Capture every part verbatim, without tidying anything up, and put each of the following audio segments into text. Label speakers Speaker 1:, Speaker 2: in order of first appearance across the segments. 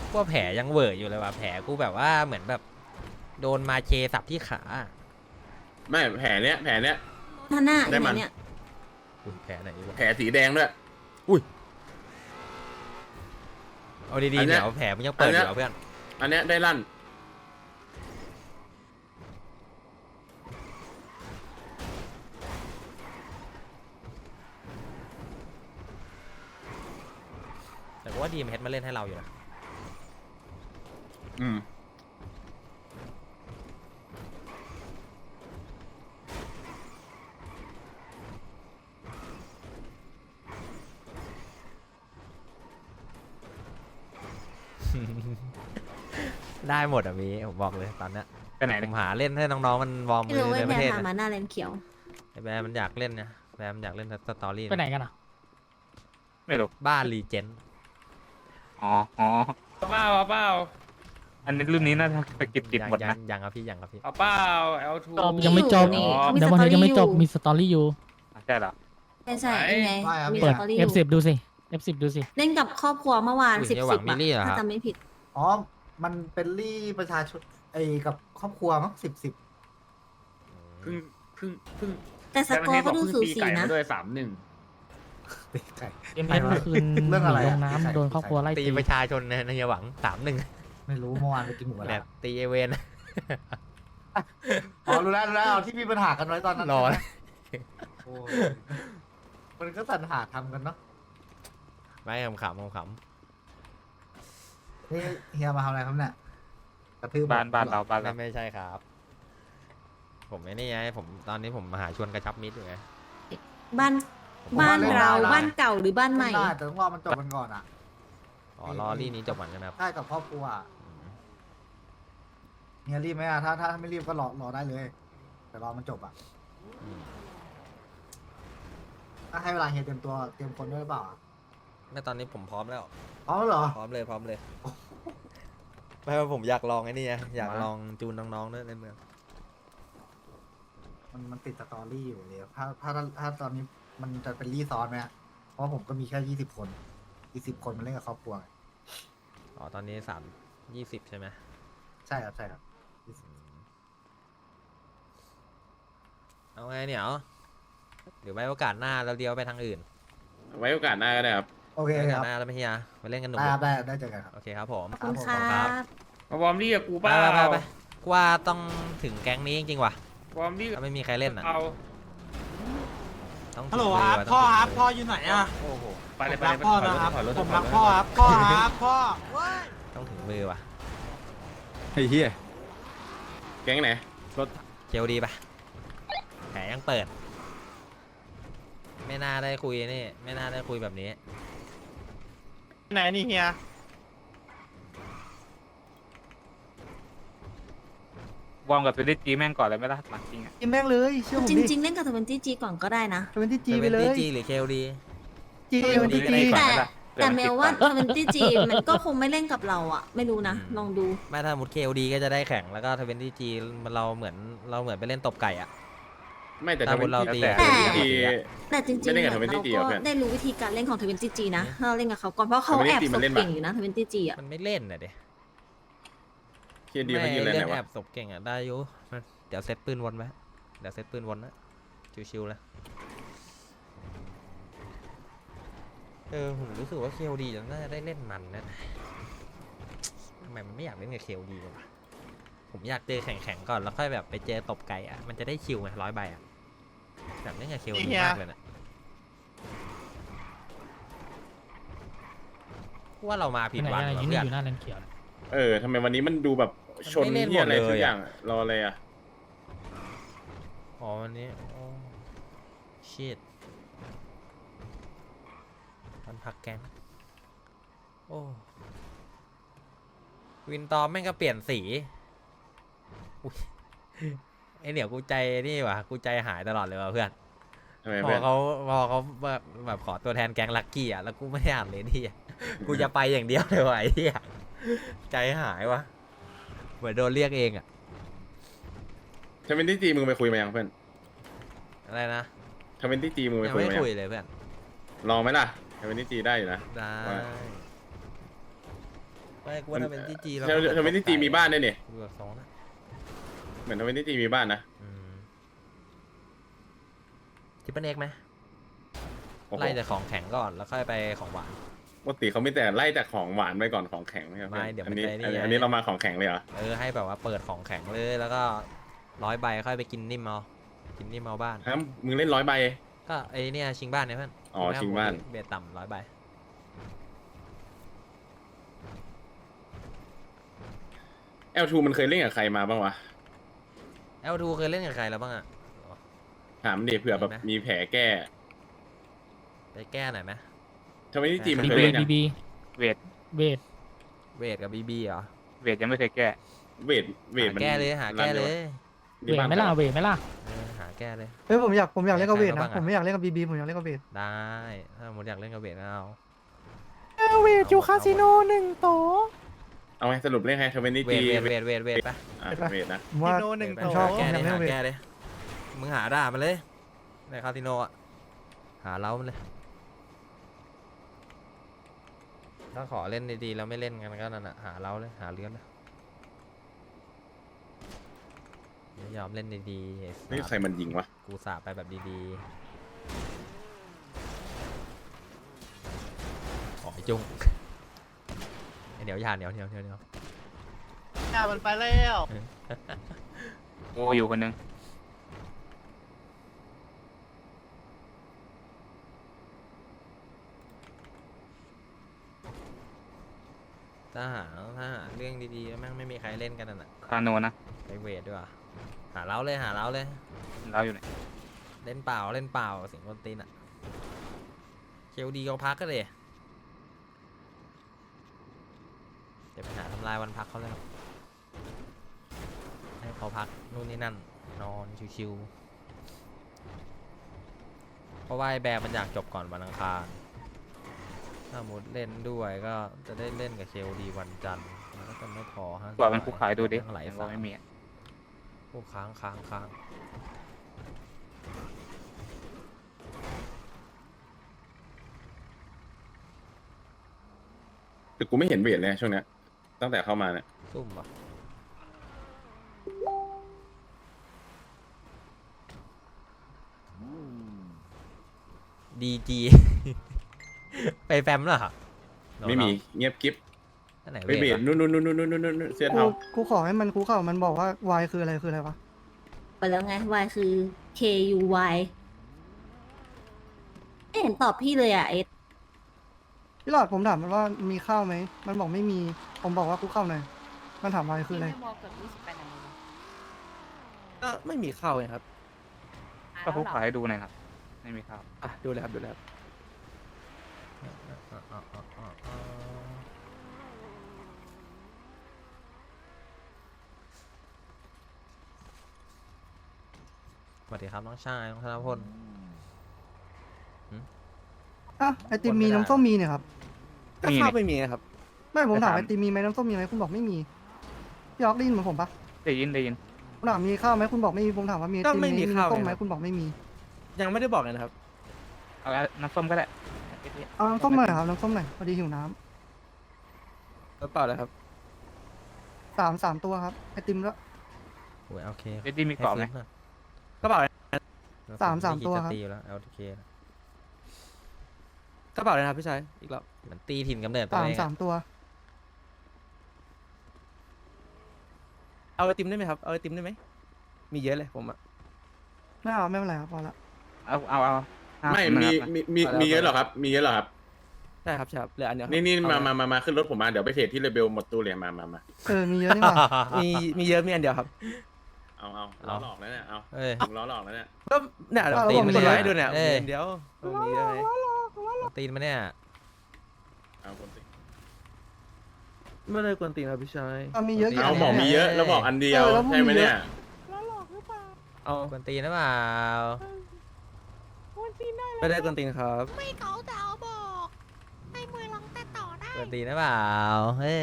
Speaker 1: พวกแผลยังเวอร์อยู่เลยว่ะแผลกูแบบว่าเหมือนแบบโดนมาเชสับที่ขา
Speaker 2: ไม่แผลเนี้ยแผลเนี้ย
Speaker 3: ท่านหน้า
Speaker 2: ได้
Speaker 3: อยู่ไห
Speaker 2: มัน
Speaker 3: นเนี่ย
Speaker 1: อุ้ยแผลไหนวะ
Speaker 2: แผลสีแดงด้วย
Speaker 1: เอาดี
Speaker 2: อั
Speaker 1: ๆ
Speaker 2: นเนี้
Speaker 1: เดี๋
Speaker 2: ย
Speaker 1: ยวแผลมันยังเปิดอยู่เหรอเพื่อน
Speaker 2: อันเนี้ยได้ลั่น
Speaker 1: แต่ว่าดีมเฮดมาเล่นให้เราอยู่นะ
Speaker 2: อืม
Speaker 1: ได้หมดอ่ะมีผมบอกเลยตอนเนี้ย
Speaker 4: ไปไหน
Speaker 1: ผ
Speaker 4: เนี่ย
Speaker 1: มหาเล่นให้น้องๆมันวอร์ม
Speaker 3: ไม่
Speaker 1: มื
Speaker 3: รู้
Speaker 1: อ
Speaker 3: ไอ้
Speaker 1: ในป
Speaker 3: แพ
Speaker 1: ระ
Speaker 3: ร
Speaker 1: เทศ
Speaker 3: พา
Speaker 1: นะ
Speaker 3: มาหน้าแลนเขียว
Speaker 1: ไอ้แบร์มันอยากเล่นนะแบร์มันอยากเล่นสตอรี่
Speaker 5: ไปไหนกันอ่ะ
Speaker 4: ไม่รู้
Speaker 1: บ้านรีเจน
Speaker 4: อ๋ออ๋อ
Speaker 6: เปล่าเปล่า
Speaker 4: อันนี้รุ่นนี้น่าจะไปกิบดิบหมด
Speaker 1: ยั
Speaker 4: นะ
Speaker 1: งยังครับพี่ยังครับพี่
Speaker 6: เอาเปล่าเอลทู
Speaker 5: จบยังไม่จบ
Speaker 3: นี่
Speaker 5: เดี๋ยววันนี้ยังไม่จบมีสตอรี่อยู่
Speaker 4: ใช่เหรอ
Speaker 3: ใช่ใช่ยังไงมี
Speaker 5: เปิ
Speaker 3: ส
Speaker 5: ด
Speaker 3: ตอรี่อ
Speaker 5: เอฟ
Speaker 3: ยู่
Speaker 5: สิบ ดูสิ เอฟสิบ ดูสิ
Speaker 3: เล่นกับครอบครัวเมื่อวาน
Speaker 1: อุ้ย
Speaker 3: สิบ
Speaker 1: อย่าห
Speaker 3: สิ
Speaker 1: วั
Speaker 3: บ
Speaker 1: งมิลลี่เหรอ
Speaker 3: ถ้า
Speaker 1: ครับ
Speaker 3: จำไม่ผิด
Speaker 7: อ๋อ มันเป็นรี่ประชาชนไอ้กับครอบครัวมั้งสิบสิบ
Speaker 2: เพิ่งเพิ่งเพิ่ง
Speaker 3: แต่สกอร์ก็ดูสูสี
Speaker 2: ไก่
Speaker 3: นะ
Speaker 2: มาด้วยสามหนึ่ง
Speaker 7: ตีไก่
Speaker 5: เอ็มเอสเมื่อคืน
Speaker 7: เรื่องอะไร
Speaker 5: หนีล
Speaker 7: อะ
Speaker 5: งน้ำโดนครอบครัวไล่
Speaker 1: ตี
Speaker 5: ตี
Speaker 1: ประชาชนในในหวังสามหนึ่ง
Speaker 7: ไม่รู้เมื่อวานไปกินหมูกระ
Speaker 1: แบ
Speaker 7: ทะ
Speaker 1: บตีเอเวน
Speaker 7: อ๋อรู้แล้วรู้แล้วเอาที่มีปัญหากันไว้ตอนนั้น
Speaker 1: รอ
Speaker 7: ใช่ไหมโอ้ยมันก็สรรหาทำกันเนาะ
Speaker 1: ไม่ขำขำขำ
Speaker 7: นี่เฮียมาทำอะไรครับเนี่ยกระทืบ
Speaker 4: บ้านบ้านเราบ้าน
Speaker 1: ไม่
Speaker 4: เรา
Speaker 1: ไม่ใช่ครับ ผมไม่นี่ไงผมตอนนี้ผมมาหาชวนกระชับมิตรอยู่ไง
Speaker 3: บ้านบ้านเราบ้านเก่าหรือบ้านใหม่
Speaker 7: เล่นได้แต่ต้องรอมันจบกันก่อนอ่ะ
Speaker 1: อ๋อรอรี่นี้จบก่อนใช่ไหมครับ
Speaker 7: ใช่กับครอบครัวอะเฮียรีบไหมอ่ะถ้าถ้าไม่รีบก็รอรอได้เลย แต่รอมันจบอ่ะ
Speaker 1: อืม
Speaker 7: ถ้าให้เวลาเฮียเตรียมตัวเตรียมคนด้วยหรือเปล่าอะ
Speaker 1: ไม่ตอนนี้ผมพร้อมแล้ว
Speaker 7: พร้อมแล้วเหรอ
Speaker 1: พร้อมเลยพร้อมเลยไม่ว่าผมอยากลองไอ้นี่ไงอยากลองจูนน้องๆด้วยในเมือง
Speaker 7: มันมันติดสตอรี่อยู่เลยถ้าถ้าถ้าถ้าตอนนี้มันจะเป็นรีซอนไหมอะเพราะผมก็มีแค่ยี่สิบคนอีกสิบคนมันเล่นกับครอบครัวไง
Speaker 1: อ๋อตอนนี้สามยี่สิบใช่ไหม
Speaker 7: ใช่ครับใช่ครับ
Speaker 1: เอาไงเนี่ยเอาหรือไว้โอกาสหน้าเราเดียวไปทางอื่น
Speaker 2: ไว้โอกาสหน้าก็ได้ครับ
Speaker 7: โอเค
Speaker 1: ไว้โอ
Speaker 7: ค
Speaker 1: กาส
Speaker 7: รับ
Speaker 1: หน้าแล้วไม่เฮียไปเล่นกันหนุ่ม
Speaker 7: ได้ครับได้ได้เจอกันครับ
Speaker 1: โอเคครับผม
Speaker 3: ขอบคุณ
Speaker 7: ครั
Speaker 3: ค่ะ
Speaker 7: บ
Speaker 6: มาวอร์มลี่กับกู
Speaker 1: ไป
Speaker 6: เปล่า
Speaker 1: ไปไปไปกูว่าต้องถึงแก๊งนี้จริงๆว่ะ
Speaker 6: วอร์มลี่กับ
Speaker 1: ถ้าไม่มีใครเล่นอ่ะ
Speaker 6: เอา
Speaker 1: ต้อง
Speaker 8: ฮัลโหล
Speaker 1: ถึง
Speaker 8: ครับ
Speaker 1: มื
Speaker 8: พ่อ
Speaker 1: ว่ะ
Speaker 8: ครับ
Speaker 1: ต้งถึงมื
Speaker 8: พ่ออยู่ไหนอ่ะ
Speaker 1: โอ้โห
Speaker 6: ไปเลย
Speaker 8: ผ
Speaker 6: ไป
Speaker 8: ม
Speaker 6: เล
Speaker 8: รั
Speaker 6: ย
Speaker 8: กพ่อนะครับ
Speaker 6: ถอยรถ
Speaker 8: ผม
Speaker 6: ถอย
Speaker 8: รัก
Speaker 6: ถ
Speaker 8: พ่อ
Speaker 6: อย
Speaker 8: ครับพ่อครับพ่อเว้ย
Speaker 1: ต้องถึงมือว่ะ
Speaker 4: ไอ้เหี้ย
Speaker 2: แก๊งไหน
Speaker 1: เจลดีปะแผลยังเปิด ไม่น่าได้คุยนี่ไม่น่าได้คุยแบบนี้
Speaker 8: ไหนนี่เฮียว
Speaker 4: อร์มกับตัวดิจีแม่งก่อนเลยไหมล่ะหลังจริงอ่ะ
Speaker 7: กินแม่งเลยเชื่อผม
Speaker 3: จ
Speaker 7: ดิ
Speaker 3: ริง ๆ เล่นกับทเวนตี้จีก่อนก็ได้นะ
Speaker 7: ทเวนตี้จี
Speaker 1: จะ
Speaker 7: ไป
Speaker 1: เป็น
Speaker 7: เล
Speaker 1: ดี
Speaker 7: ย
Speaker 1: จีหรือเคลดี
Speaker 7: จี
Speaker 1: เออ
Speaker 7: ทเวนตี้
Speaker 1: ดี
Speaker 7: จี
Speaker 1: ก็ได้
Speaker 3: แต่แต่เมลว่าทเวนตี้จีมันก็คงไม่เล่นกับเราอ่ะ ไม่รู้นะ ลองดู
Speaker 1: ไม่ถ้ามุดเคลดีก็จะได้แข่งแล้วก็ทเวนตี้จีเราเหมือนเราเหมือนไปเล่นตบไก่อะ
Speaker 2: ไม่แต่
Speaker 1: ตาม
Speaker 2: ทำเป็น
Speaker 1: เราตี
Speaker 2: แต่
Speaker 3: แต่
Speaker 2: ทำเป็นตี
Speaker 3: แต่จริงๆ
Speaker 2: ไม่เล่นกับ
Speaker 3: เหมือนเรา
Speaker 2: ทเวนตี้จีเหร
Speaker 3: ก็
Speaker 2: อเพื่อน
Speaker 3: ได้รู้วิธีการเล่นของทเวนตี้จีนะถ้าเราเล่นกับเขาก่อนเพราะเขาแอบ
Speaker 2: ทเวนตี้จี
Speaker 3: ส
Speaker 2: มัน
Speaker 3: บ
Speaker 2: เล่นปะ
Speaker 3: เก่งอยู่นะทเวนตี้จีอ่ะ
Speaker 1: มันไม่เล่นน่ะเด็
Speaker 2: เคียดีมันยืนอะไร
Speaker 1: เล่
Speaker 2: ไหน
Speaker 1: นแอ
Speaker 2: วะ
Speaker 1: บศพเก่งอะได้อยุเดี๋ยวเซตปืนวนไว้เดี๋ยวเซตปืนวนนะชิวๆเลยเออผมรู้สึกว่าเคลดีน่าจะได้เล่นมันนะทำไมมันไม่อยากเล่นกับเคลดีวะผมอยากเจอแข่งๆก่อนแล้วค่อยแบบไปเจอตบไก่อะมันจะได้คิวไงร้อยใบอะแบบเล่นกับเคลดีมากเลยนะว่าเรามา
Speaker 5: ไป
Speaker 1: ผิด
Speaker 5: ไหน
Speaker 1: วัน
Speaker 5: อะไร
Speaker 1: เหรอ
Speaker 5: ยืน
Speaker 1: เพื่อน
Speaker 5: อยู่หน้าแลนเขียวเนี่ย
Speaker 2: เออทำไมวันนี้มันดูแบบชน
Speaker 1: มันไม่เล่น
Speaker 2: เหียอะไร
Speaker 1: หมดเลย
Speaker 2: ทุกอย่าง
Speaker 1: อะ
Speaker 2: รออะไรอ่ะ
Speaker 1: อ๋อวันนี้โอ้ชิตวันพักแก๊งโอ้วินตอมแม่งก็เปลี่ยนสีอุ๊ยไอเหนียวกูใจนี่วะกูใจหายตลอดเลยว่ะเพื่อน
Speaker 2: ทำไม
Speaker 1: พ
Speaker 2: เพื่
Speaker 1: อ
Speaker 2: อน
Speaker 1: เขาพอเขาแบบแบบขอตัวแทนแก๊งลักกี้อ่ะแล้วกูไม่ได้อ่านเลยที่กูจะไปอย่างเดียวเลยว่ะไอ้ที่ใจหายวะเหมือนโดนเรียกเองอ่ะ
Speaker 2: ทำเป็นที่จีมึงไปคุยมายังเพื่อน
Speaker 1: อะไรนะ
Speaker 2: ทำเป็นที่จีมึงไป
Speaker 1: ยัง
Speaker 2: คุย
Speaker 1: ไม่
Speaker 2: มายั
Speaker 1: คุย
Speaker 2: ง
Speaker 1: เลยเพื่อน
Speaker 2: ลองไหมล่ะทำเป็นที่จีได้อยู่นะ
Speaker 1: ได้
Speaker 2: ว่า
Speaker 1: ไปไม่กูว่าถ้าเป็นที่จีเรา
Speaker 2: เทเทเวนตี้จีมีบ้านด้วยนี่
Speaker 1: ดูแบบสองนะ
Speaker 2: เหมือนเทเวนตี้จีมีบ้านนะ
Speaker 1: อืมทิปเปิลเอ็กไหม
Speaker 2: โอ้โห
Speaker 1: ไล่จากของแข็งก่อนแล้วค่อยไปของหวาน
Speaker 2: ปกติเขาไม่แต่ไล่จากของหวานไปก่อนของแข็งใช่ไหม
Speaker 1: ไม่เดี๋ยวมัน
Speaker 2: อันนี้
Speaker 1: จะไอ้นี่
Speaker 2: อันนี้
Speaker 1: ไง
Speaker 2: อันนี้เรามาของแข็งเลยเหรอ
Speaker 1: เออให้แบบว่าเปิดของแข็งเลยแล้วก็ร้อยใบค่อยไปกินนิ่มเอากินนิ่มเอาบ้าน
Speaker 2: ฮะมึงเล่นร้อยใบ
Speaker 1: ก็ไอเนี่ยชิงบ้านเนี่ยเพื่อน
Speaker 2: อ๋อชิงบ้าน
Speaker 1: เบียดต่ำร้อยใบ
Speaker 2: แอลทูมันเคยเล่นกับใครมาบ้างวะ
Speaker 1: แอลทูเคยเล่นกับใครแล้วบ้างอะ
Speaker 2: ถามดิเผื่อแบบ
Speaker 1: มีไหม
Speaker 2: มีแผลแก้
Speaker 1: ไปแก้หน่อยไหม
Speaker 2: เทเวนตี้จีมัน
Speaker 5: บี
Speaker 2: เคย
Speaker 5: บี
Speaker 2: เล่นยัง
Speaker 5: บี
Speaker 4: เวท
Speaker 5: เวท
Speaker 1: เวทกับบีบีเหรอ
Speaker 4: เวทยังไม่เคยแก้
Speaker 2: เวทเวท
Speaker 1: หา
Speaker 2: มัน
Speaker 1: แก้เลยหาแก้เลย
Speaker 5: เวทไหม่ล่ะเวทไหม่ล่ะ
Speaker 1: เออหาแก้เลย
Speaker 9: เฮ้ยผมอยากผมอยากเล่นกับเวท
Speaker 1: ใคร
Speaker 9: นะ
Speaker 1: บ้างอะ
Speaker 9: ผมไม่อยากเล่นกับบีบีผมอยากเล่นกับเวท
Speaker 1: ได้ถ้าหมดอยากเล่นกับเวทก็เอา
Speaker 9: เวทอยู่คาสิโนหนึ่งโต
Speaker 2: เอาไงสรุปเล่นให้เทเวนตี้
Speaker 1: เว
Speaker 2: จี
Speaker 1: ทเวทเวทเวทเวทปะ
Speaker 2: อ่ะเวทนะ
Speaker 9: ผมว่า
Speaker 8: โนหนึ่ง
Speaker 1: ไป
Speaker 8: โต
Speaker 9: ชอบ
Speaker 1: แก้เลย
Speaker 9: ผมอยากเล่น
Speaker 1: หา
Speaker 9: เวท
Speaker 1: แก้เลยมึงหาด่ามันเลยในคาสิโนอะหาเล้ามันเลยถ้าขอเล่นดีๆแล้วไม่เล่นกันก็นั่นอะหาเล้าเลยหาเลื้อนเลยไม่ยอมเล่นดีๆไอ้สัส
Speaker 2: นี่ใครมันยิงวะ
Speaker 1: กูสาไปแบบดีๆขอไอ้จุ้งไอ้เดี๋ยวยาเหนียวเหนียวเหนียวเหนียว
Speaker 8: หน้ามันไปแล้ว
Speaker 4: โอ้อยู่คนหนึง
Speaker 1: ถ้าหาถ้าหาเรื่องดีๆแล้วแม่งไม่มีใครเล่นกันน่ะ
Speaker 4: คาโนนะ
Speaker 1: ไปเวทด้วยว่ะหาเล้าเลยหาเล้าเลย
Speaker 4: เราอยู่ไหน
Speaker 1: เล่นเปล่าเล่นเปล่าเสิงคนตีนอ่ะเคลดีเขาพักก็เลยเดี๋ยวไปหาทำลายวันพักเขาเลยให้เขาพักนู่นนี่นั่นนอนชิวๆเพราะว่าไอ้แบร์มันอยากจบก่อนวันอังคารถ้าหมดเล่นด้วยก็จะได้เล่นกับเคลดีวันจันทร์มันก็จะไม่พอฮะ
Speaker 4: กว่ามันคู่ขายดูดิ
Speaker 1: ไหล
Speaker 4: ยัง
Speaker 1: สา
Speaker 4: ไม่มีอะ
Speaker 1: พวกค้างค้างค้าง
Speaker 2: แต่กูไม่เห็นเวทเลยช่วงเนี้ยตั้งแต่เข้ามาเนี่ย
Speaker 1: ซุ่มปะดีจี ไปแฟมเหรอ
Speaker 2: ไม่มีเงียบกิ๊บ
Speaker 1: นั่นไหน
Speaker 2: ไปเว
Speaker 1: เว
Speaker 2: ท
Speaker 1: ทวะ
Speaker 2: นู่นนู่นนู่นนู่นนู่นนู่นเสื้อ
Speaker 9: กู
Speaker 2: เทา
Speaker 9: กูขอให้มันกูเข่ามันบอกว่าวายคืออะไรคืออะไรวะ
Speaker 3: ไปแล้วไง Y คือ K U Y ไม่เห็นตอบพี่เลยอ่ะเอส
Speaker 9: พี่หลอดผมถามมันว่ามีข้าวไหมมันบอกไม่มีผมบอกว่ากูเข้าหน่อยมันถามวายคืออะไร
Speaker 8: ก็ไม่มีเข้าไงครับ
Speaker 4: ก็คู่ขายให้ดูหน่อยครับไม่มีข้าว
Speaker 8: อ่ะดูเลยครับดูเลยครับ
Speaker 1: สวัสดีครับน้องชายน้องธนพล
Speaker 9: อ่ะไอติมมีน้ำส้มมีเนี่ยครับ
Speaker 8: ก็เข้าไม่มีครับ
Speaker 9: ไม่ผมถาม
Speaker 4: ไปถาม
Speaker 9: ไอติมมีไหมน้ำส้มมีไหมคุณบอกไม่มีพี่ออกได้ยินเหมือนผมปะ
Speaker 4: ได้ยินได้ยิน
Speaker 9: ผมถามมีข้าวไหมคุณบอกไม่มีผมถามว่ามีไอติม
Speaker 8: ก็ไม่มีข้าว
Speaker 9: น้ำส้มไหม
Speaker 8: ไงครับ
Speaker 9: คุณบอกไม่มี
Speaker 8: ยังไม่ได้บอกเลยนะครับ
Speaker 4: เอาน้ำส้มก็ได้
Speaker 9: เอาน้ำส้มหน่อยครับน้ำส้มหน่อยพอดีหิวน้
Speaker 8: กระเป๋าเลยครับ
Speaker 9: ำสามสามตัวครับไอติมแล้ว
Speaker 1: โอ้ยโอเค
Speaker 4: เอ็ดดี้มีกรอบไหม
Speaker 8: กระเป๋า
Speaker 9: สามสามตัวครับ
Speaker 1: ตีอยู่แล้ว แอล ที เค
Speaker 8: กระเป๋าเลยนะครับพี่ชายอีกรอบ
Speaker 1: มันตีถิ่นกำเนิดตัว
Speaker 9: สาม
Speaker 1: เอง
Speaker 9: สา
Speaker 1: อะ
Speaker 9: มตัว
Speaker 8: เอาไอติมได้ไหมครับเอาไอติมได้ไหมมีเยอะเลยผมอะ
Speaker 9: ไม่เอาไม่เป็นไรครับพอละ
Speaker 4: เอาเอาเอาห้า
Speaker 2: ไม่
Speaker 4: สิบ
Speaker 2: มี
Speaker 4: นะครับ
Speaker 2: มีมีมีเยอะเหรอครับ มีเยอะเหรอครับ
Speaker 8: ใช่ครับใช่ครับเหลืออันเดียวครับ
Speaker 2: นี่นี่
Speaker 8: เอ
Speaker 2: มา
Speaker 8: เลย
Speaker 2: มามามาขึ้นรถผมมาเดี๋ยวไปเทรดที่เรเบลหมดตู้เลยมามามา
Speaker 9: เออมีเยอะนี่หว่า
Speaker 8: มีมีเยอะมีอันเดียวครับ
Speaker 2: เอาเอาล้อหลอกแล้วเนี่ยเอา
Speaker 1: เอ้ย
Speaker 2: ถึงล้อหลอกแล้วเนี่ย
Speaker 8: ก็เนี่ยเดี๋ยว
Speaker 9: ตี
Speaker 8: ผม
Speaker 9: น
Speaker 8: กด
Speaker 9: ไม่ได้
Speaker 8: ไว้ให้ดูเนี่ย
Speaker 1: เอ้ย
Speaker 8: มีอันเดียวมีเยอะไหม
Speaker 1: ตีนมาเนี่ย
Speaker 2: เอาคนสิ
Speaker 8: ไม่ได้กวนตีนครับพี่ชาย
Speaker 9: เอามีเยอะ
Speaker 1: ตี
Speaker 9: กี่
Speaker 1: น
Speaker 2: เอา
Speaker 9: น
Speaker 2: บอก
Speaker 9: นี่ย
Speaker 2: มีเยอะแล้วบอกอันเดียว
Speaker 9: เออแล้วมึง
Speaker 2: ใช่ไหม
Speaker 9: มีเยอะ
Speaker 2: เนี่ย
Speaker 8: เอา
Speaker 1: กวนตีนหรือเปล่า
Speaker 8: ไม่ได้กวนตีนครับ
Speaker 3: ไม่เขาจะเอาบอกให้มือลองแต่ต่อได้
Speaker 1: กวนตีนหรือเปล่า เฮ้ย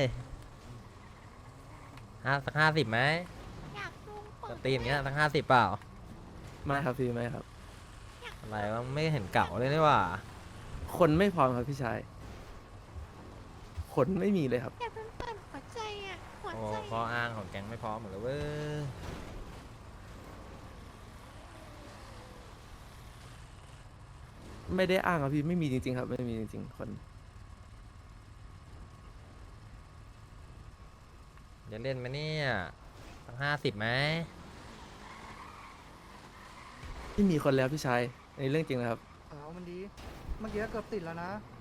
Speaker 1: ห้าสักห้าสิบไหม
Speaker 3: อยากลุง
Speaker 1: ก
Speaker 3: เปิ
Speaker 1: วน
Speaker 3: ด
Speaker 1: ตีนอย่างเงี้ยสักห้าสิบเปล่า
Speaker 8: ไม่ครับพี่ไม่ครับ
Speaker 1: อะไรวะไม่เห็นเก่าเลยนี่หว่า
Speaker 8: คนไม่พร้อมครับพี่ชายคนไม่มีเลยครับ
Speaker 3: อยากเป็นเปิด
Speaker 1: โอ้ข้ออ้างของแก๊งไม่พร้อมหมดเลยเว้ย
Speaker 8: ไม่ได้อ้างครับพี่ไม่มีจริงๆครับไม่มีจริงๆคน
Speaker 1: จะเล่นไหมเนี่ยสักห้าสิบไหม
Speaker 8: ไม่มีคนแล้วพี่ชายในเรื่องจริงนะครับ
Speaker 9: เอามันดี เมื่อกี้เกือบติดแล้วนะ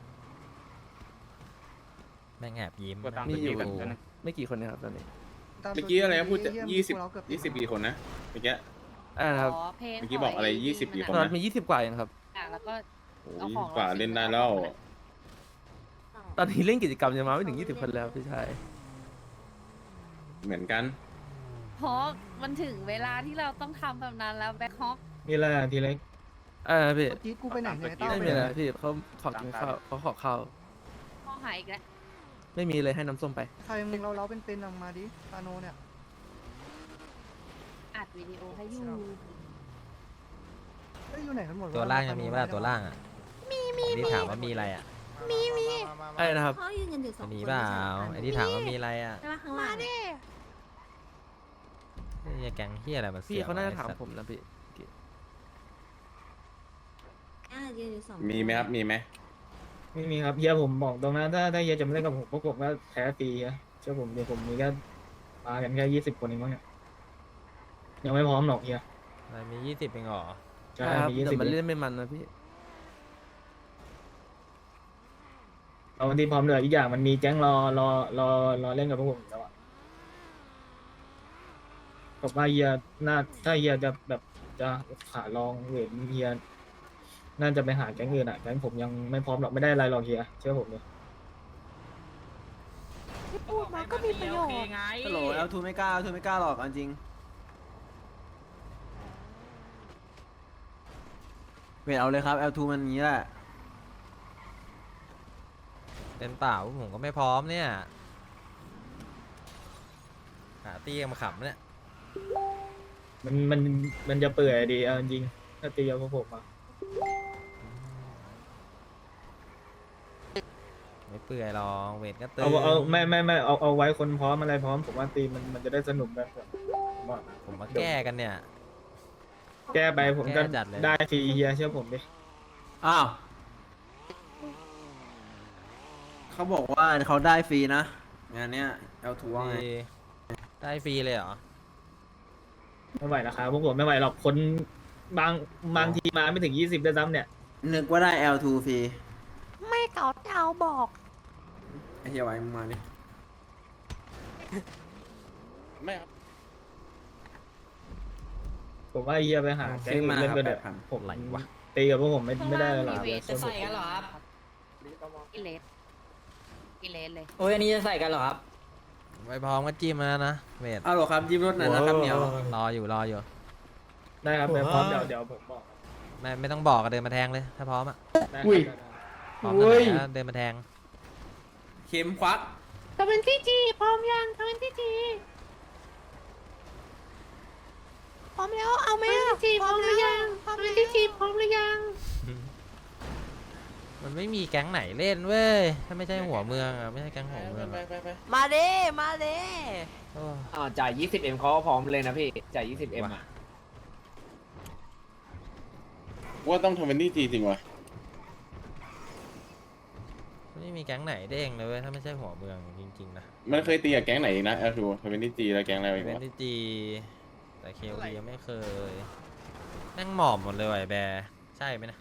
Speaker 1: แม่งแอบยิ้ม
Speaker 4: กดตาม
Speaker 8: มี
Speaker 1: นั่ง
Speaker 8: อยู่
Speaker 1: ดู
Speaker 8: ไม่กี่คนนะครับตอนนี้
Speaker 9: ตา
Speaker 2: เมื่อกี้อะไรนะพูด
Speaker 9: เหี้
Speaker 2: ยี่สิบ
Speaker 9: พวกเราเกือบติ
Speaker 2: ยี่
Speaker 9: ด
Speaker 2: สิบ
Speaker 9: แล้ว
Speaker 2: กี่คนนะเมื่อกี้
Speaker 8: อ่านะครับ
Speaker 2: เมื่อกี้บอกอะไรยี่สิบกี่ค
Speaker 8: ตอนนั้นมียี่สิบกว่าเองครับ
Speaker 10: แล้วก็
Speaker 2: โอ้ยกว่าเล่นได้แล้ว
Speaker 8: ตอนนี้เล่นกิจกรรมยังมาไม่ถึงยี่สิบคนแล้วพี่ชาย
Speaker 2: เหมือนกัน
Speaker 10: เพราะมันถึงเวลาที่เราต้องทำแบบนั้นแล้วแบ็คฮอก
Speaker 6: มีอะไรอ่ะทีเล็ก
Speaker 8: อ่าพี่
Speaker 9: เมื่อกี้กูไปไหนเนี่ยต้า
Speaker 8: ไม่
Speaker 9: ไป
Speaker 8: มี
Speaker 9: ไห
Speaker 8: อะไร
Speaker 9: น
Speaker 8: พี่เขาขอกินข้าวเขาขอข้าว
Speaker 10: ข้อหายอีกแล้ว
Speaker 8: ไม่มีเลยให้น้ำส้มไป
Speaker 9: ใครมึงเราเราเป็นเป็นออกมาดิตาโนเนี่ย
Speaker 10: อัดวิดีโอให้อยู่
Speaker 9: เอ้ยอยู่ไหนกันหมด
Speaker 1: ตัวล่างยังมีป่ะล่ะตัวล่างอ่ะมีมีที่ถามว่ามีอะไรอ่ะ
Speaker 8: ไอ้นะครับ
Speaker 3: เขายืนกันอยู่สองคน
Speaker 1: มีเปล่า
Speaker 3: ไม่
Speaker 1: ไอ้
Speaker 3: ใช่
Speaker 1: ที่ถามว่ามีอะไรอ่ะ
Speaker 3: ใช่ปะข้างล่าง
Speaker 1: นี่แก๊งเฮียอะไรมาเสี
Speaker 8: พี่
Speaker 1: ย
Speaker 8: เขาน่าจะ
Speaker 1: ไว้
Speaker 8: ถาม
Speaker 1: สัตว์
Speaker 8: ผมนะพี่
Speaker 3: อ่ายืนอยู่สอง
Speaker 2: มีไหมครับมีไหม
Speaker 6: ไม่มีครับเฮียผมบอกตรงนั้นถ้าถ้าเฮียจะมาเล่นกับผมพวกผมก็แพ้ฟรีอะเชื่อผมเดี๋ยวผมมีแค่มากันแค่ยี่สิบคนเองมั้งเนี่ยยังไม่พร้อมหรอกเฮีย
Speaker 1: อะไรมียี่สิบเองเหรอ
Speaker 6: ใช่
Speaker 8: ครับ
Speaker 6: มียี่
Speaker 8: แต่
Speaker 6: สิบ
Speaker 8: มันเล่นไม่มันนะพี่
Speaker 6: เอาวันที่พร้อมเลยอีกอย่างมันมีแก๊งรอรอรอรอเล่นกับพวกผมอยู่แล้วอะผมว่าเฮียน่าถ้าเฮียจะแบบจะขาลองเวทเฮียน่าจะไปหาแก๊งอื่นอะแก๊งผมยังไม่พร้อมหรอกไม่ได้อะไรหรอกเฮียเชื่อผมเลย
Speaker 10: พูดมาก็มีประโยชน์
Speaker 11: ฮัลโหลแอลทูไม่กล้าแอลทูไม่กล้าหรอกเอาจริงเวทเอาเลยครับแอลทูมันอย่างนี้แหละ
Speaker 1: เล่นเปล่าผมก็ไม่พร้อมเนี่ยหาตีกันมาขำเนี่ย
Speaker 6: มันมันมันจะเปื่อยดีเอาจริงๆถ้าตีกับพวกผมอะ
Speaker 1: ไม่เปื่อยหรอกเวทก็ตื่น
Speaker 6: เอาเอาไม่ไม่ไม่เอาเอาไว้คนพร้อมอะไรพร้อมผมว่าตีมันมันจะได้สนุกแบบผมว่า
Speaker 1: ผมมาแก้กันเนี่ย
Speaker 6: แก้ไปผมก็
Speaker 1: แก้จัดเลย
Speaker 6: ได้ฟรีเฮียเชื่อผมดิ
Speaker 11: อ้าวเขาบอกว่าเขาได้ฟรีนะงานเนี้ยแอลทูว่าไง
Speaker 1: ดีได้ฟรีเลยเหรอ
Speaker 6: ไม่ไหวนะครับพวกผมไม่ไหวหรอกคนบางบางทีมาไม่ถึงยี่สิบด้วยซ้ำเนี่ย
Speaker 11: นึกว่าได้แอลทูฟรี
Speaker 10: ไม่เก่าเจ้าบอก
Speaker 11: ไอ้เฮียไว้มึงมาดิ
Speaker 2: ไม่ครับ
Speaker 6: ผมว่าเฮียไปหาแก๊งอื่นเล่นก็เด็ดผม
Speaker 1: ไหลวะ
Speaker 6: ตีกับพวกผมไม่ไม่ได้หรอก
Speaker 10: จะใส่กันเหรอครับกิเลสกิเลสเลย
Speaker 5: โอ้ยอันนี้จะใส่กันเหรอครับ
Speaker 1: ไม่พร้อมก็จิ้มมาแล้วนะเวท
Speaker 11: เอาหรอครับยิ้มรถหน่อยนะครับเหนียว
Speaker 1: รออยู่รออยู่
Speaker 6: ได้ครับไปพร้อมเดี๋ยวเดี๋ยวผมบอก
Speaker 1: ไม่ไม่ต้องบอกก็เดินมาแทงเลย ถ้าพร้อมอะ
Speaker 6: ได้อุ้ย
Speaker 1: พร้อมตอนไหนก็เดินมาแทง
Speaker 11: เข็มควัก
Speaker 10: ทำเป็นที่จีพร้อมยังทำเป็นที่จีพร้อมแล้วเอาไหมอ่ะพร้อมหรือยังทำเป็นที่จีพร้อมหรือยัง
Speaker 1: มันไม่มีแก๊งไหนเล่นเว้ย ถ้าไม่ใช่หัวเมืองอะไม่ใช่แก๊งหัวเมือง
Speaker 2: ไป
Speaker 1: อะ
Speaker 2: ไปไป
Speaker 10: มาเด้มาเด้
Speaker 1: โอ้
Speaker 5: อ่าจ่าย ยี่สิบเอ็ม เขาก็พร้อมเลยนะพี่ จ่าย ยี่สิบเอ็ม อ่ะ
Speaker 2: ว่าต้องทำเป็นที่จริงวะ
Speaker 1: ไม่มีแก๊งไหนเด้งเลยเว้ย ถ้าไม่ใช่หัวเมืองจริงๆนะ
Speaker 2: มันเคยตีกับแก๊งไหนอีกนะแอลทูทำเป็นที่จีแล้วแก๊งอะไรอีก
Speaker 1: เป็น
Speaker 2: วะ
Speaker 1: ที่จีแต่เคลดียังไม่เคยแม่งหมอบหมดเลยว่ะไอ้แบร์ใช่ไหมนะ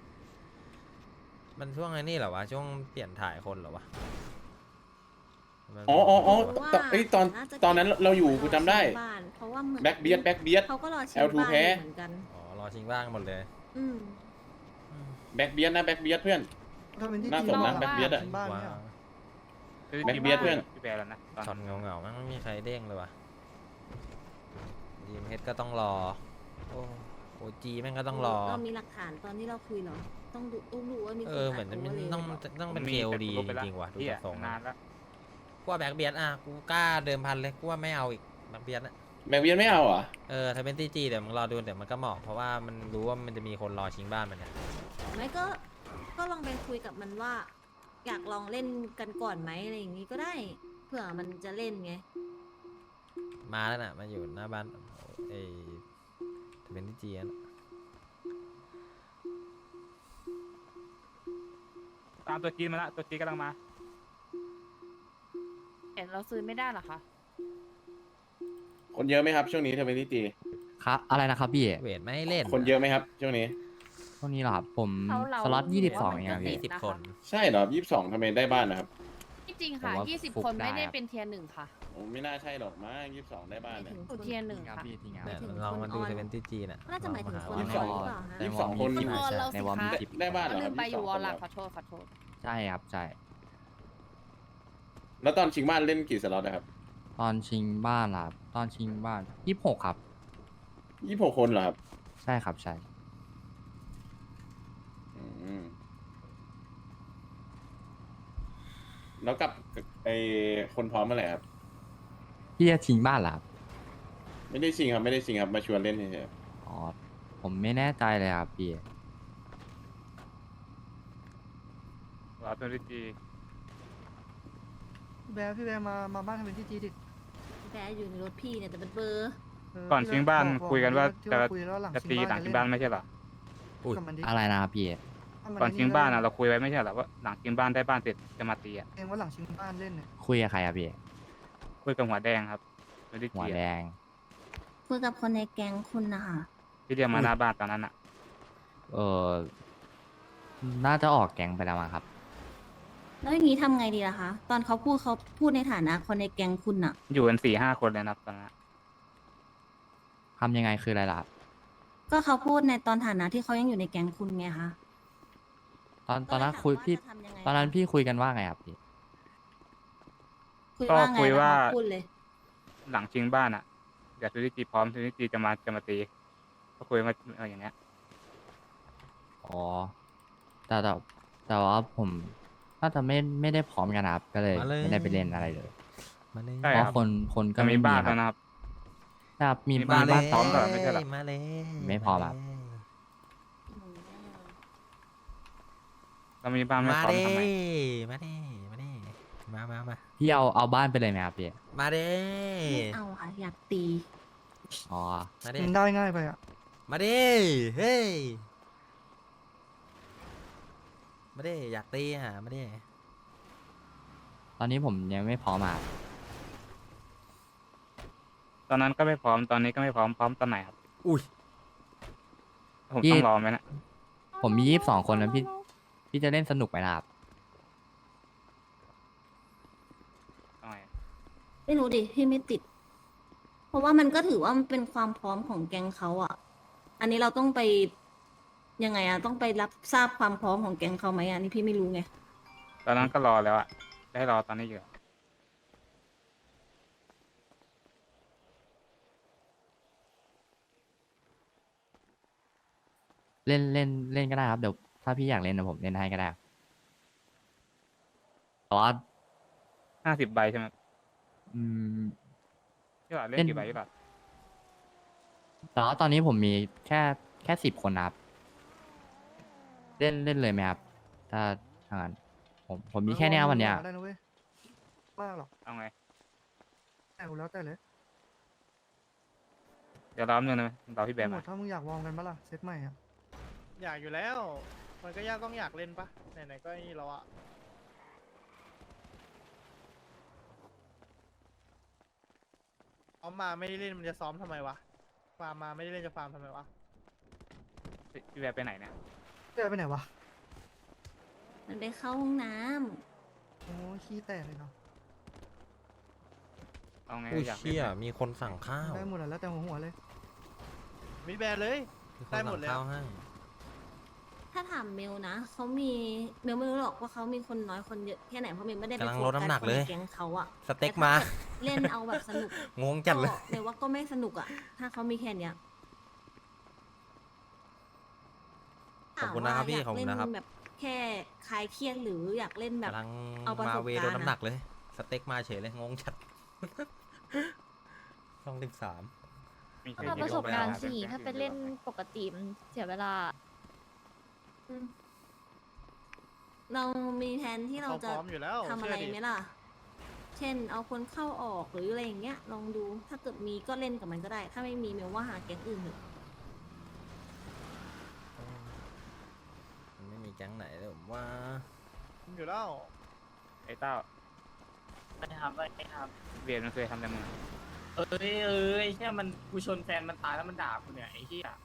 Speaker 1: มันช่วงไอ้นี่เหรอวะ ช่วงเปลี่ยนถ่ายคนเหรอวะมัน
Speaker 2: อ๋ออ๋ออ๋อ
Speaker 3: เพราะว่า
Speaker 2: ตอนเอ้ยตอนตอนนั้นเราอยู่กูจำได้
Speaker 3: บ้านเพราะว่าเหมือน
Speaker 2: แบ็คเบียดแบ็คเบียด
Speaker 3: เขาก็รอชิง
Speaker 2: แอล ทู
Speaker 3: บ้าน
Speaker 2: แพ้
Speaker 3: เหมือนกัน
Speaker 1: อ๋อ รอชิงบ้างหมดเลย
Speaker 3: อืม
Speaker 2: แบ็คเบียดนะแบ็คเบียดเพื่อน
Speaker 9: ถ้าเป็นที่
Speaker 2: น่า
Speaker 9: จี
Speaker 2: สนนะ
Speaker 9: น
Speaker 2: แบ็คเบียดอะ
Speaker 9: บ้านเนี่ย
Speaker 2: แบ็คเบียดเพื่อน
Speaker 4: พี่แบร์แล้วนะตอน
Speaker 1: ช็อตเงาเงาๆมันไม่มีใครเด้งเลยว่ะดีมเฮดก็ต้องรอ โอ้โอจีแม่งก็ต้องรอ
Speaker 3: เรามีหลักฐานตอนที่เราคุยเหรอ ต้องดูต้องดูว่ามีค
Speaker 1: เออ เหมือนจะมี
Speaker 3: ด
Speaker 1: ต้อง
Speaker 3: โเวอร์เลย
Speaker 1: ต้องเป็น
Speaker 4: ผม
Speaker 1: เค
Speaker 4: มี
Speaker 1: ล
Speaker 4: แต่
Speaker 1: ดี
Speaker 4: กูลบไป
Speaker 1: จ
Speaker 4: ละ
Speaker 1: ริงๆว่ะ ดู
Speaker 4: เหี้ย
Speaker 1: จากทรง
Speaker 4: นานแล้ว
Speaker 1: กูว่าแบ็กเบียดอ่ะ กูกล้าเดิมพันเลย กูว่าไม่เอาอีกแบ็กเบียดอะ
Speaker 2: แบ็คเบียดไม่เอาเหรอ่ะ
Speaker 1: เออ ถ้าเป็นตีจีเดี๋ยวมึงรอดูเดี๋ยวมันก็เหมาะ เพราะว่ามันรู้ว่ามันจะมีคนรอชิงบ้านมันเนี่ย
Speaker 3: ไม่ก็ ก็ลองไปคุยกับมันว่า อยากลองเล่นกันก่อนไหมอะไรอย่างนี้ก็ได้ เผื่อมันจะเล่นไง
Speaker 1: มาแล้วน่ะมาอยู่หน้าบ้านไอ้ทเวนตี้จีน
Speaker 4: ตามตัวจีนมาละตัวจีนกำลังมา
Speaker 10: เห็นเราซื้อไม่ได้หรอคะ
Speaker 2: คนเยอะไหมครับช่วงนี้เทเวนตี้จี
Speaker 8: ครับอะไรนะครับพี่
Speaker 1: เวทไม่ให้เล่น
Speaker 2: คนเยอะไหมครับช่วงนี้
Speaker 8: พวกนี้เหรอครับผม
Speaker 10: เขาเรา
Speaker 8: สล็อตยี่สิบสอง
Speaker 10: ว่ามัน
Speaker 8: เองครับ
Speaker 10: ก็
Speaker 8: พี่
Speaker 10: ติด
Speaker 1: สิบคน
Speaker 2: ใช่เหรอยี่สิบสองทำไมได้บ้านนะครับ
Speaker 10: จริงๆค่ะ
Speaker 8: ผมว่า
Speaker 10: ยี่สิบ
Speaker 8: ฟุก
Speaker 10: คน
Speaker 8: ได้
Speaker 10: ไม่ได้
Speaker 8: ครับ
Speaker 10: เป็นเทียร์หนึ่งค่ะ
Speaker 2: โอ้ไม่น่าใช่หรอกมั้งยี่สิบสองได้บ้านเนี่ย
Speaker 10: อยู่เทียร์หนึ่ง
Speaker 8: ครับ
Speaker 10: ค่ะ
Speaker 8: พี่ทีงาน
Speaker 1: เนี่ย
Speaker 3: ถึง
Speaker 1: ลองมาดู
Speaker 3: คนออน
Speaker 1: ทเวนตี้จีน่ะ
Speaker 3: น่าจะหมายถึงคน
Speaker 2: ยี่สิบสอง
Speaker 3: หรือเปล่าฮะ
Speaker 2: ยี่สิบสองคน
Speaker 10: คุณวอลเราสิ
Speaker 8: ในวอล
Speaker 10: คะ
Speaker 8: มีสิบ
Speaker 2: ได้บ้านเหร
Speaker 10: ก็
Speaker 2: อค
Speaker 10: ลื
Speaker 2: รับ
Speaker 10: มไปอยู่วอลละ
Speaker 2: ยี่สิบสอง
Speaker 10: ขอโทษขอโทษ
Speaker 8: ใช่ครับใช่
Speaker 2: แล้วตอนชิงบ้านเล่นกี่สล็อตนะครับ
Speaker 8: ตอนชิงบ้านล่ะตอนชิงบ้านยี่สิบหกครับ
Speaker 2: ยี่สิบหกคนเหรอครับ
Speaker 8: ใช่ครับใช่
Speaker 2: อืมแล้วกับไอคนพร้อมเมื่อไหร่ครับ
Speaker 8: พี่จะชิงบ้านล่ะครับ
Speaker 2: ไม่ได้ชิงครับไม่ได้ชิงครับมาชวนเล่นเฉย
Speaker 8: อ๋อผมไม่แน่ใจเลยครับพี่
Speaker 4: รอตัวจี
Speaker 9: พี่แบร์พี่แบร์มามาบ้านทำเป็นที่จีดิ
Speaker 3: แบร์อยู่ในรถพี่เนี่ยแต่เป็นเบอร์
Speaker 9: เ
Speaker 4: ก่อนชิงบ้าน
Speaker 9: บอก
Speaker 4: คุยกันว่า
Speaker 9: ที่
Speaker 4: จะ
Speaker 9: คุยแล้วหลัง
Speaker 4: จะ
Speaker 9: ชิง
Speaker 4: ตีหลังชิงบ้านไม่ใช่เหรอ
Speaker 1: อุ้ย
Speaker 9: กับมันดิ
Speaker 8: อะไรนะครับพี่
Speaker 9: ถ้มั
Speaker 4: ก่อนชิงบ้านอะ
Speaker 9: เล่
Speaker 4: เราคุยไว้ไม่ใช่เหรอว่าหลังชิงบ้านได้บ้านเสร็จจะมาตีอะ
Speaker 9: เองว่าหลังชิงบ้านเล่นเนี่ย
Speaker 8: คุยกับใครครับพี่
Speaker 4: คุยกับหัวแดงครับตัวจี
Speaker 8: หัวแดง
Speaker 3: คุยกับคนในแก๊งคุณนะคะ
Speaker 4: ที่เรียกมาหน้าบ้านตอนนั้นอะ
Speaker 8: เออน่าจะออกแก๊งไปแล้วมั้งครับ
Speaker 3: แล้วอย่างนี้ทำไงดีล่ะคะ ตอนเขาพูดเขาพูดในฐานะคนในแก๊งคุณอะ
Speaker 4: อยู่กันสี่ห้าคนเลยนะครับตอนนั้น
Speaker 8: ทำยังไงคืออะไรล่ะครับ
Speaker 3: ก็เขาพูดในตอนฐานะที่เขายังอยู่ในแก๊งคุณไงคะ
Speaker 8: ตอนตอนนั้นคุยพี่
Speaker 3: ก็เลยถามว่าจะทำยังไง
Speaker 8: ตอนนั้นพี่คุยกันว่าไงครับพี่
Speaker 3: คุย
Speaker 4: ก็
Speaker 3: ว่าไง
Speaker 4: คุย
Speaker 3: แล้ว
Speaker 4: ว่า
Speaker 3: เขาพูดเลย
Speaker 4: หลังชิงบ้านอะเดี๋ยวตัวจีพร้อมตัวจีจะมาจะมาตีก็คุยมาเอออย่างเงี้ย
Speaker 8: อ๋อแต่แต่แต่ว่าผมน่าจะไม่ไม่ได้พร้อมกันนะครับ ก็เลย
Speaker 1: มาเลย
Speaker 8: ไม่ได้ไปเล่นอะไรเลย
Speaker 1: มาเลย
Speaker 4: ใช่
Speaker 8: เพ
Speaker 4: ครั
Speaker 8: ราะ
Speaker 4: บ
Speaker 8: คนคนก็
Speaker 4: จะ
Speaker 8: ไม่
Speaker 4: มี
Speaker 8: มี
Speaker 4: บ้าน
Speaker 8: ครั
Speaker 4: แล้ว
Speaker 8: บ
Speaker 4: นะครับ
Speaker 8: ครับมี
Speaker 4: มี
Speaker 8: บ้า
Speaker 4: บ้าน น
Speaker 8: บ้าน
Speaker 4: พร้อมก่อนไม่ใช่เหรอ
Speaker 1: มาเลย
Speaker 8: ไม่พร้อมครับ
Speaker 4: เรามีบ้านไม่
Speaker 1: มา
Speaker 4: พร้อม
Speaker 1: เด้
Speaker 4: ทำไม
Speaker 1: มาเด้มาเด้มามามา
Speaker 8: พี่เอาเอาบ้านไปเลยไหมครับพี่
Speaker 1: มาเด้
Speaker 3: ไม่เอาค่ะ อยากตี
Speaker 8: อ๋อ
Speaker 1: มาเด้
Speaker 9: มันได้ง่ายไปอ่ะ
Speaker 1: มาเด้เฮ้ยมาเด้อยากตีอ่ะมาเด้
Speaker 8: ตอนนี้ผมยังไม่พร้อมอ่ะ
Speaker 4: ตอนนั้นก็ไม่พร้อมตอนนี้ก็ไม่พร้อมพร้อมตอนไหนครับ
Speaker 1: อุ้ย
Speaker 4: ผมต้องรอไหมนะ
Speaker 8: ผมมียี่สิบสองคนแล้วพี่พี่จะเล่นสนุกไหมล่ะครับ
Speaker 4: ต้องไง
Speaker 3: ไม่รู้ดิ พี่ไม่ติด เพราะว่ามันก็ถือว่ามันเป็นความพร้อมของแก๊งเขาอะอันนี้เราต้องไปยังไงอะต้องไปรับทราบความพร้อมของแก๊งเขาไหมอะอันนี้พี่ไม่รู้ไง
Speaker 4: ตอนนั้นก็รอแล้วอะได้รอตอนนี้อยู่อะ
Speaker 8: เล่นเล่นเล่นก็ได้ครับเดี๋ยวถ้าพี่อยากเล่นเดี๋ยวผมเล่นให้ก็ได้ครับแต่ว่า
Speaker 4: ห้าสิบใบใช่ไหม
Speaker 8: อืม
Speaker 4: พี่หลอดเล่
Speaker 8: เล่
Speaker 4: น
Speaker 8: น
Speaker 4: กี่ใบพี่หลอด
Speaker 8: แต่ว่าตอนนี้ผมมีแค่แค่สิบคนนะครับ เล่นเล่นเลยไหมครับ ถ้าทางนั้นผมผมมีแค่เนี้ยวันเนี้ย
Speaker 9: ได้นะเว้ยมากหรอก
Speaker 4: เอาไง
Speaker 9: แต่กูแล้วแต่เลย
Speaker 4: เดี๋ยวรอแป๊บนึงนะรอพี่แบม
Speaker 9: หม
Speaker 4: มา
Speaker 9: ดถ้ามึงอยากวอร์มกันปะล่ะเซตใหม่อ่ะ
Speaker 6: อยากอยู่แล้ว มันก็ยากต้องอยากเล่นปะไหนๆก็นี่เราอะซ้อมมาไม่ได้เล่นมันจะซ้อมทำไมวะ ฟาร์มมาไม่ได้เล่นจะฟาร์มทำไมวะ
Speaker 4: พี่แบมไปไหนเนี่ย
Speaker 9: เจอไปไหนวะ
Speaker 3: มันไปเข้าห้องน้ำ
Speaker 9: โอ้ยขี้แตกเลยเนาะ
Speaker 4: เอาไง
Speaker 1: อุ้ย
Speaker 4: อยากเล่น
Speaker 1: เชี่ย
Speaker 4: ไหม
Speaker 1: มีคนสั่งข้าว
Speaker 9: ได้หมดแล้วแต่หัวหัวเลย
Speaker 6: มีแบนเลย
Speaker 1: มีคน
Speaker 6: ได้หม
Speaker 1: สั่
Speaker 6: ด
Speaker 1: ง
Speaker 6: เลย
Speaker 1: ข้าวให้
Speaker 3: ถ้าถามเมลนะเขามีเมลไม่รู้หรอกว่าเขามีคนน้อยคนเยอะแค่ไหนเพราะเมลไม่ได้ไป
Speaker 1: กำลัง
Speaker 3: โฟ
Speaker 1: ลด
Speaker 3: กัส
Speaker 1: น้ำหนัก
Speaker 3: คน
Speaker 1: เล
Speaker 3: ใน
Speaker 1: ย
Speaker 3: แก๊งเขาอะ
Speaker 1: สเต็กมา
Speaker 3: เล่นเอาแบบสนุก
Speaker 1: งงจัดเลย
Speaker 3: ก็เมลว่าก็ไม่สนุกอะถ้าเขามีแค่เนี้ย
Speaker 1: ขอบคุณนะครับพี่
Speaker 3: ถาม
Speaker 1: ขอบ
Speaker 3: ว่า
Speaker 1: คุณนะครับ
Speaker 3: ยากเล่นแบบแค่คลายเครียดหรืออยากเล่นแบบ
Speaker 1: กำลัง
Speaker 3: เอาประส
Speaker 1: มา
Speaker 3: บ
Speaker 1: เว
Speaker 3: การณ์
Speaker 1: ลดน้ำหนัก
Speaker 3: อะ
Speaker 1: เลย สเต็กมาเฉยเลย งงจัด ช่องสิบสาม
Speaker 4: มี
Speaker 1: เอา
Speaker 4: แค่
Speaker 1: มา
Speaker 4: ยี่
Speaker 1: ประ
Speaker 4: สิ
Speaker 1: ส
Speaker 4: บบ ใบ
Speaker 1: การณ์
Speaker 4: นะครับ
Speaker 10: สี่ถ้าไปเล่นปกติมันเสียเวลา
Speaker 3: เรามีแผนที่เรา
Speaker 6: เรา
Speaker 3: จะ
Speaker 6: พร้อมอยู่แล้ว
Speaker 3: ทำอะไร
Speaker 6: เชื่ดิ
Speaker 3: ไหมล่ะเช่น เอาคนเข้าออกหรืออะไรอย่างเงี้ย ลองดู ถ้าเกิดมีก็เล่นกับมันก็ได้ ถ้าไม่มีเมลว่าหาแก๊งอื่นเถอะ
Speaker 1: มันไม่มีแก๊งไหนเลยผมว่า
Speaker 6: อยู่แล้ว
Speaker 4: ไอ้เต้า
Speaker 5: ไม่ทำไม่ท
Speaker 4: เวียนมันเคยทำแต่มึงอะ
Speaker 5: ำเอ้ยเอ้ยแค่มันกูชนแฟนมันตายแล้วมันด่ากูเนี่ยไอ้เหี้ย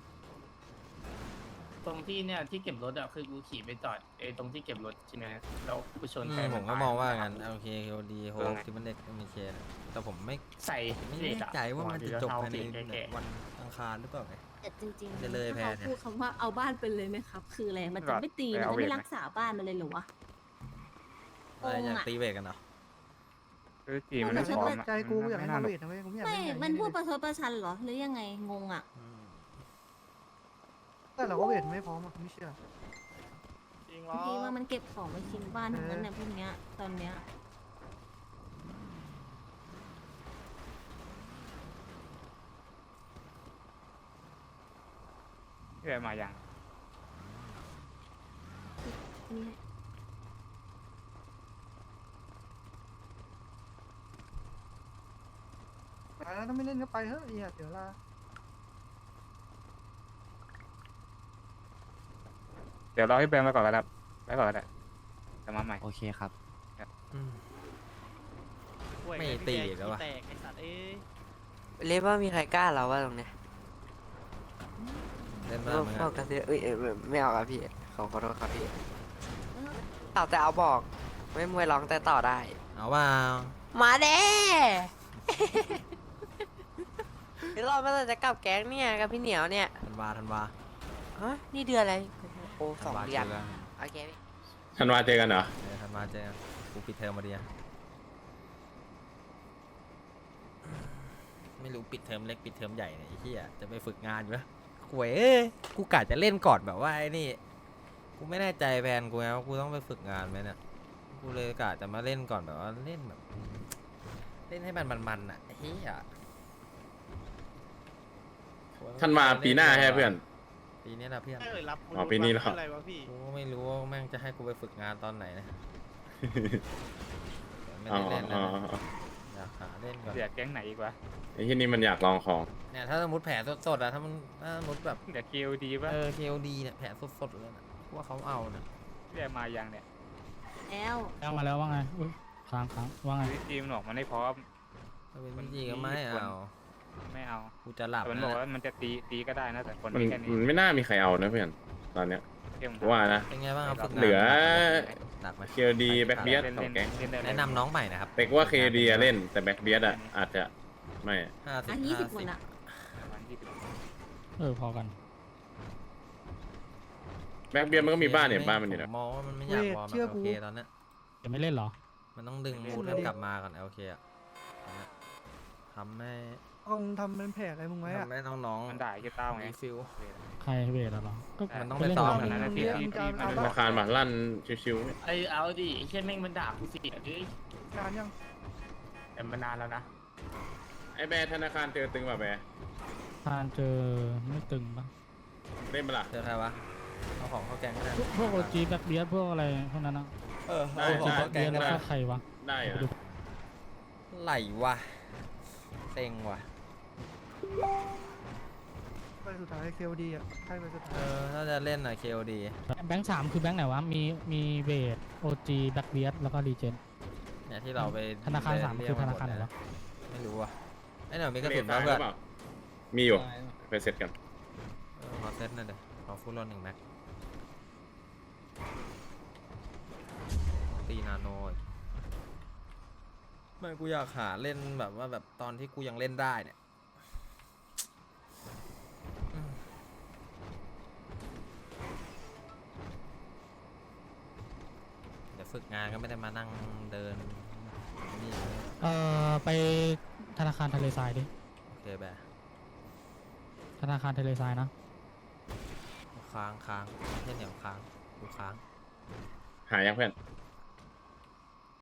Speaker 5: ตรงที่เนี่ยที่เก็บรถอะคือกูขี่ไปจอดไอ้ตรงที่เก็บรถใช่ไหมแล้วกูชน
Speaker 1: อื
Speaker 5: แฟ
Speaker 1: ม
Speaker 5: น
Speaker 1: ผมก็
Speaker 5: ตย
Speaker 1: มองว่างั้นโอเคเคโอดีโฮที่มันเด็กมีเคนะแต่ผมไม่
Speaker 5: ใส่
Speaker 1: ไม่
Speaker 5: เหล็
Speaker 1: แน่
Speaker 5: กอะ
Speaker 1: ใจว่ามันจะจบภายใน
Speaker 5: แก่
Speaker 1: วันอังคารหรือเปล่าไง
Speaker 3: แต่จริง
Speaker 1: จะเลย
Speaker 3: ๆ
Speaker 1: แพ
Speaker 3: ถ้า
Speaker 1: ทย์เนี่ย
Speaker 3: เขาพูดคำว่าเอาบ้านไปเลยไหมครับ คืออะไร มันจะไม่ตี มันจะไม่รักษาบ้านมันเลยเหรอวะ
Speaker 1: อะไรอยาก
Speaker 3: โกงอะ
Speaker 1: ตีเวกกันเหรอ
Speaker 4: คือจีมัน
Speaker 3: แต่
Speaker 4: ไม่
Speaker 3: ฉัน
Speaker 4: พร้อ
Speaker 3: ว่า
Speaker 4: มอะ
Speaker 9: ใจกูอยากให้
Speaker 4: น่า
Speaker 9: ทำ
Speaker 4: หนุ
Speaker 9: เว
Speaker 4: ก
Speaker 9: ทนะเว้ยกูไม่อยาก
Speaker 3: ไม่
Speaker 9: เล่นงาน
Speaker 3: มันพูด
Speaker 9: เลย
Speaker 3: ประชดประชันเหรอ หรือยังไง งงอ่ะ
Speaker 1: อืม
Speaker 9: แต่เราก็เวทไม่พร้อมอ่ะไม่เชื่อ
Speaker 6: จริงเหร
Speaker 3: บาง
Speaker 6: อ
Speaker 3: ทีว่ามันเก็บของไปทิ้งบ้านทั้งนั้นเนี่ยพวกเนี้ย ตอนเนี้ย
Speaker 4: เวียนมาอย่าง
Speaker 3: นี่
Speaker 9: ไปแล้วถ้าไม่เล่นก็ไปเฮ้ยเหี้ยเดี๋ยวลา
Speaker 4: เดี๋ยวรอให้แบงค์ไปก่อนก็ได้ไปก่อนก็ได้จะมาใหม่
Speaker 8: โอเคครับ
Speaker 1: อืม ไม่ตีอีกแล้ววะ
Speaker 10: เรียกว่ามีใครกล้าเราว่าตรงเนี้ย
Speaker 1: เล่นมา
Speaker 10: พวก
Speaker 1: เหมือน
Speaker 10: พ
Speaker 1: กั
Speaker 10: วก
Speaker 1: น
Speaker 10: กระเซียเอ้ยเอ้ยไม่เอาครับพี่ขอขอโทษครับพี่เอาแต่เอาบอก ไม่มวยร้องแต่ต่อได้
Speaker 1: เอาว่า
Speaker 10: มาเด้ เดี๋ยวรอมาแต่จะกลับแก๊งเนี่ยกับพี่เหนียวเนี่ย
Speaker 1: ธันวาธันวา
Speaker 10: ฮะนี่เดือนอะไรโอ้ส
Speaker 1: ธั
Speaker 10: อน ง
Speaker 1: วา
Speaker 10: เดื
Speaker 1: เจ
Speaker 10: อน
Speaker 1: อกัน
Speaker 10: โอเคพี่
Speaker 2: ธันวาเจอกันเหรอ
Speaker 1: เออธันวาเจอกันกูปิดเทอมมาดีอะไม่รู้ปิดเทอมเล็กปิดเทอมใหญ่เนี่ยไอ้เหี้ยจะไปฝึกงานอยู่ปะหวยเอ้ยกูกะจะเล่นก่อนแบบว่าไอ้นี่ กูไม่แน่ใจแผนกูไงว่ากูต้องไปฝึกงานไหมเนี่ย กูเลยกะจะมาเล่นก่อนแบบว่าเล่นแบบ เล่นให้มันมันๆอ่ะไอ้เฮีย
Speaker 2: ธันวาปีหน้าใช่ไหมเพื่อน
Speaker 1: ปีนี้แหละเพื่อน
Speaker 6: ไม่เลยรับ
Speaker 2: อ๋อปีนี้เหรอ
Speaker 6: อะไรวะพี่
Speaker 1: กูก็ไม่รู้ว่าแม่งจะให้กูไปฝึกงานตอนไหนนะไม่
Speaker 2: อ๋อ
Speaker 1: ได้เล่น
Speaker 2: อ๋
Speaker 1: นะ
Speaker 2: ออ๋อ
Speaker 1: อยากหาเล่นก่อน
Speaker 4: เดี๋ยวแก๊งไหนอีกวะ
Speaker 2: ไอ้ที่นี่มันอยากลองของ
Speaker 1: เนี่ยถ้าสมมติแผลสดๆอะถ้ามันถ้าสมมติแบบ
Speaker 4: เดี๋ยวคิวดีป่ะ
Speaker 1: เออ เค โอ ดี เนี่ยแผลสดๆเลยนะว่าเขาเอาเนี่ย
Speaker 4: เวียนมาอย่างเนี่ย
Speaker 3: แล้ว
Speaker 6: แล้วมาแล้วว่าไงอุ้ยค้างค้างว่าไง
Speaker 4: คือจีมันบอกมันไม่พร้อม
Speaker 1: ถ้าเป็นพี่จีก็ไม่เอา
Speaker 4: ไม่เอา
Speaker 1: กูจะหลับ
Speaker 4: แต่มัน
Speaker 1: นะ
Speaker 4: บอกว่ามันจะตีตีก็ได้นะแต่คน
Speaker 2: มัน
Speaker 4: มีแค่นี้
Speaker 2: มันไม่น่ามีใครเอานะเพื่อน ตอนเนี้ย
Speaker 4: เที่ยง
Speaker 2: ว่านะ
Speaker 1: เป็นไงบ้างครับฝึกงาน
Speaker 2: เหลือ
Speaker 1: หนักไหม
Speaker 2: เคโอดีแบ็คเบียด
Speaker 4: เล่น
Speaker 2: สอ
Speaker 4: เล่
Speaker 2: ง
Speaker 4: น
Speaker 2: แก๊ง
Speaker 4: เล่นได้
Speaker 1: แนะนำน้องใหม่นะครับ
Speaker 2: แต่ว่าเคโอดีเล่น แต่แบ็คเบียดอ่ะอาจจะไม่
Speaker 1: ห้าสิบ
Speaker 3: อัน
Speaker 1: ห้า
Speaker 3: ยี่สิบ
Speaker 1: สิ
Speaker 3: คน
Speaker 1: บ
Speaker 3: อะ
Speaker 4: ประมาณยี่สิบ
Speaker 6: เออพอกัน
Speaker 2: แบ็คเบียดมันก็มีบ้านเนี่ยบ้านมันอยู่
Speaker 1: ผ
Speaker 2: นะ
Speaker 1: มมองว่ามันไม่อยากวอร์ม
Speaker 9: เชื่อ
Speaker 1: โอ
Speaker 9: กู
Speaker 1: เคตอนเนี้ย
Speaker 6: จะไม่เล่นเหรอ
Speaker 1: มันต้องดึง
Speaker 9: เล่น
Speaker 1: มูด
Speaker 9: เลย
Speaker 1: ให้กลับมาก่อนโอเคอะตอนเนี้ยทำให้
Speaker 9: ลองทำเป็นแผลอะไรมึงไว้อะ
Speaker 1: ทำให้น้องๆ
Speaker 4: มันด่าไอ้เหี้ยเต้าไง
Speaker 1: รีฟิล
Speaker 6: ใครเวทอะเหรอก็
Speaker 1: มันต้อง
Speaker 6: ก็
Speaker 1: ไป
Speaker 6: เล่น
Speaker 1: ซ้อม
Speaker 6: กับ
Speaker 1: มัน
Speaker 6: น
Speaker 1: นะ
Speaker 4: ที่ที่ที่มัน
Speaker 2: ธนาคารมาลั่นชิว
Speaker 5: ไอ้เอาดิไอ้เช่นแม่งมันด่ากูสิเอ้ย
Speaker 9: งานยัง
Speaker 5: แต่มันนานแล้วนะ
Speaker 2: ๆไอ้แบร์ธนาคารเจอตึงป่ะแบร์
Speaker 6: ทานเจอไม่ตึงปะ
Speaker 2: เล่นมาล่ะ
Speaker 1: เจอใครวะเอาของเข้าแกงก็ได้
Speaker 6: พวกพวกโอจีแบ็คเบียพวกอะไรพวกนั้นนะ
Speaker 1: เออ
Speaker 2: ได้
Speaker 1: เอาของ
Speaker 2: ได้
Speaker 1: เข้าแก
Speaker 6: เบี
Speaker 1: ง
Speaker 6: ย
Speaker 1: ก็
Speaker 6: แล้ว
Speaker 1: ได้
Speaker 6: ก็ใครวะ
Speaker 2: ได้เหร
Speaker 6: ไป
Speaker 2: อ
Speaker 6: ดู
Speaker 1: ไหลวะเซ็งวะ
Speaker 9: ไปสุดท้ายเคโอดีอ่ะใช่ไปสุด
Speaker 1: เอ
Speaker 9: ท้าย
Speaker 1: อถ้าจะเล่นอะ เค โอ ดี
Speaker 6: แบงค์สามคือแบงค์ไหนวะ มีมีเวทโอจีแบ็คเบียแล้วก็รีเจน
Speaker 1: เนี่ยที่เราไป
Speaker 6: ธนาคารสาม
Speaker 1: เยก
Speaker 6: คือธนาคารไหนวะ
Speaker 1: ไม่รู้อะไอ้หน่อยมีกระ
Speaker 2: เล
Speaker 1: สุ
Speaker 2: ท
Speaker 1: น
Speaker 2: ตา
Speaker 1: นะ
Speaker 2: ยห
Speaker 1: เพื่
Speaker 2: รือ อน เปล่ามีอยู่ ไปเสร็จกัน
Speaker 1: เออขอเซตหน่อยเดี๋ยวขอฟูลรอนหนึ่งแม็กตีนาโนอีกไม่กูอยากหาเล่นแบบว่าแบบตอนที่กูยังเล่นได้เนี่ยอืมเดี๋ยวฝึกงานก็ไม่ได้มานั่งเดินนี่
Speaker 6: เอ่อไปธนาคารทะเลทรายดิ
Speaker 1: โอเคแบบ
Speaker 6: ธนาคารทะเลทรายนะ
Speaker 1: ค้างค้างเช่นเหนียวค้างกูค้าง
Speaker 2: หายังเพื่อน